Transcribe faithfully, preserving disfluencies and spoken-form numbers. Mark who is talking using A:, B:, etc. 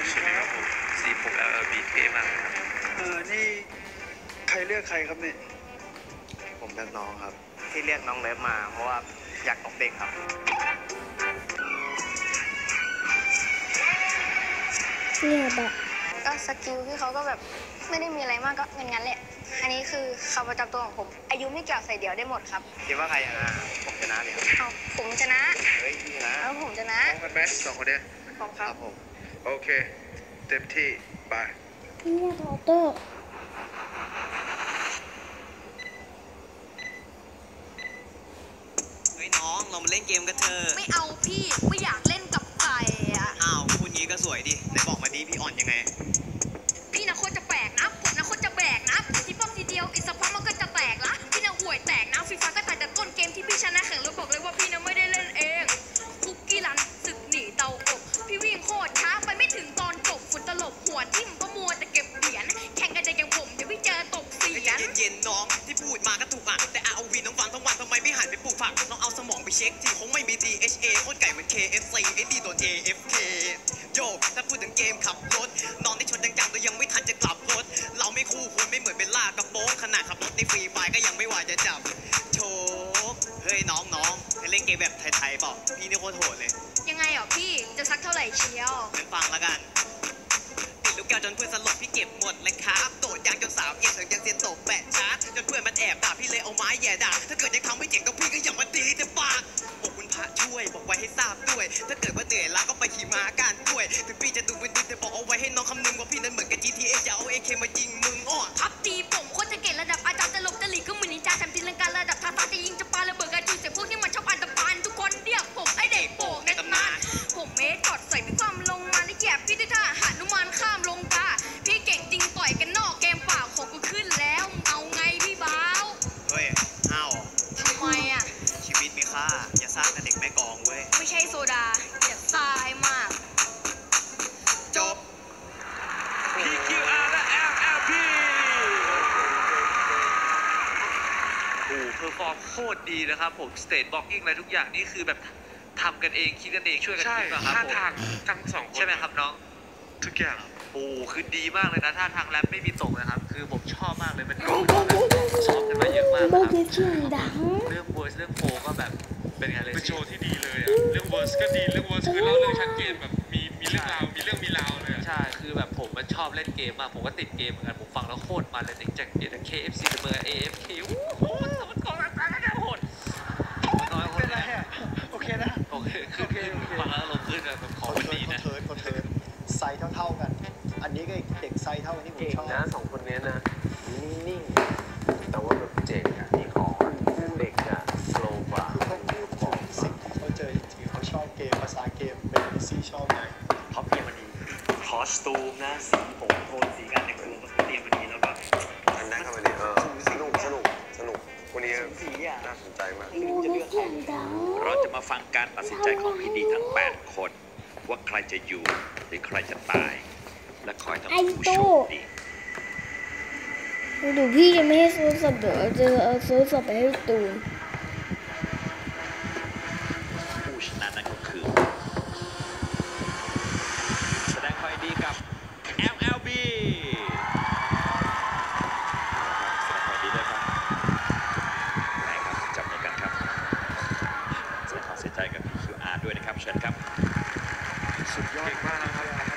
A: สวัสดีครับผมสีผม แอล แอล บี เท่มากครับ
B: เออนี่ใครเลือกใครครับเนี่ย
C: ผมเลือกน้องครับ
D: ที่เรียกน้องเลิฟมาเพราะว่าอยากตบเด็กครับ
E: เนี่ยแบบก็สกิลที่เขาก็แบบไม่ได้มีอะไรมากก็งั้นๆแหละอันนี้คือคำประจำตัวของผมอายุไม่เกี่ยวใส่เดี่ยวได้หมดครับ
D: คิดว่าใครชนะผมชนะเนี่ย
E: เอาผมชนะ
D: เฮ้ยชนะ
E: แล้วผมชนะ
A: พร้อมกันไหมสองคนเนี้ย
E: พร้อมครับ
A: ผมโอเคเต็มที่ไป
E: เนี่ยโรเตอร์
F: เฮ้ยน้องเรามาเล่นเกมกันเถอะ
E: ไม่เอาพี่ไม่อยากเล่นกับไก่อะ
F: อ้าวพูดงี้ก็สวยดิไหนบอกมาดิพี่อ่อนยังไง
E: พี่นะโคตรจะแปลกนะผมนะโคตรจะแบกนะที่ป้อมทีเดียวอีกสักพักมันก็จะแตกละพี่นะห่วยแตกนะฟีฟ่าก็ตายแต่ต้นเกมที่พี่ชนะแข่งแล้วบอกเลยว่าพี่นะไม่ได้เล่นเองคุกกี้รันศึกหนีเตาอบพี่วิ่งโคตรช้าไปไม่ถึงตอนจบฝุ่นตลบหัวทิ่มก็มัวแต่เก็บเหรียญแข่งกันแต่อย่างผมเดี๋ยวพี่เจอตกเสียน
F: เย็นๆน้องที่พูดมาก็ถูกอ่ะแต่ อาร์ โอ วี น้องฟังทั้งวันทำไมไม่หันไปปลูกผักน้องเอาสมองไปเช็คทีคงไม่มี ที เอช เอ โคตรไก่เหมือน เค เอฟ ซี ไอ้ดีโดน เอ เอฟ เค โยถ้าพูดถึงเกมขับรถน้องได้ชนจังๆแต่ยังไม่ทันจะกลับรถเราไม่คู่ควรไม่เหมือนเป็นล่ากระโปงขนาดขับรถในฟรีไฟก็ยังไม่ไหวจะจับโชว์เฮ้ยน้องๆเคยเล่นเกมแบบไทยๆเปล่าพี่นี่โคตรโหดเลย
E: ยังไงอ่ะพี่จะซักเท่าไหร่เชียว
F: เล่นฟังแล้วกันติดลูกแก้วจนเพื่อนสลบพี่เก็บหมดเลยครับโดดยางจนสาวเอียงถึงยังเซียนตกแปะชาร์จจนเพื่อนมันแอบด่าพี่เลยเอาไม้แย่ด่าถ้าเกิดยังทำไม่เจ๋งก็พี่ก็อย่ามาตีแต่ปากบอกคุณพระช่วยบอกไว้ให้ทราบด้วยถ้าเกิดว่าเหนื่อยล้าก็ไปขี่ม้าการด้วยถึงพี่จะดูเป็นดิแต่บอกเอาไว้ให้น้องคำนึงว่าพี่นั้นเหมือนกับ จี ที เอ จะเอา เอ เค มายิงมึงอ้อ
E: ทับตีผมโคตรจะเก่งระดับอาจารย์จะหลบจะหลีกก็เหมือนนินจาแถมตีลังการะดับท้าทายจะยิงจะปาระเบิดกระจุยเสียพวกนี้มันชอบอันตรพานทุกคนเรียกผมไอเด็กโป่งในตำนานผมเมทกอดใส่พี่ความลงมาและแยบพี่ด้วยท่าหนุมานข้ามลงตาพี่เก่งจริงต่อยกันนอกเกมเปล่าของกูขึ้นแล้วเอาไงพี่บ้าว
F: เฮ้ยห้าว
E: ทำไมอ่ะ
F: ชีวิตมีค่าอย่าสร้างกับเด็กแม่กองเว้ย
E: ไม่ใช่โซดาอย่าซ่าให้มาก
F: จบ
A: พี คิว อาร์ และ แอล แอล พี โอ้เพอร์ฟอร์มโคตรดีนะครับผมสเตทบล็อกกิ้งอะไรทุกอย่างนี่คือแบบทำกันเองคิดกันเองช่วยกันคิดนะครับผมท่าทางทั้งสองคนใช่ไหมครับน้องทุกอย่างโอ้คือดีมากเลยนะท่าทางแรปไม่มีตกนะครับคือผมชอบมากเลยมันซ้อมกันมาเยอะมากครับเรื่องเวอร์สเรื่องโฟก็แบบเป็นไงเลย
G: เป็นโชว์ที่ดีเลยอ่ะเรื่องเวอร์สก็ดีเรื่องเวอร์สคือเล่าเรื่องชัดเจนแบบมีมีเรื่องราวมีเรื่องมีราวเลย
A: ใช่คือแบบผมมันชอบเล่นเกมมากผมก็ติดเกมเหมือนกันผมฟังแล้วโคตรมันเลยจากเกม เค เอฟ ซี เบอร์ เอ เอฟ เค โคตรสมรรถกองต่างๆโหดน้อยคนนะ
B: โอเคนะ
A: โอเคคือฟังแล้วลงขึ้นแบบขอวันนี้นะ
B: คอนเทิร์นคอนเทิร์นไซส์เท่าๆกันอันนี้ก็เด็กไซส์เท่านี้ผมชอบ
C: นะสองคนนี้นะนิ่งๆแต่ว่าแบบเจ๋งอ่ะมีของเด็กอ่ะโซกว่า
B: ของสิ่งที่เขาเจอจริงๆเขาชอบเกมภาษาเกมเป็นซีชอบไหม
D: เขาเตรียมมาดีคอสตูมนะสีผมโทนสีการแต่งตัวเขาเตรียมมาดีแล้วก็
C: อันนั้นเข้ามาดีเออสนุกสนุกสนุกวันนี้น่าสนใจมาก
H: เราจะมาฟังการตัดสินใจของพีดีทั้งแปดคนว่าใครจะอยู่หรือใครจะตายและคอยทำผู้โชคดี
E: ดูพี่จะไม่ให้โซสับเดี๋ยวจะเอาโซสับไปให้ตูน
H: ผู้ชนะนั่นก็คือแสดงความดีกับ แอล แอล บี แสดงความดีด้วยครับไหนครับจับมือกันครับแสดงความเสียใจกับ พี คิว อาร์ ด้วยนะครับเชิญครับ
A: สุดยอดมากครับ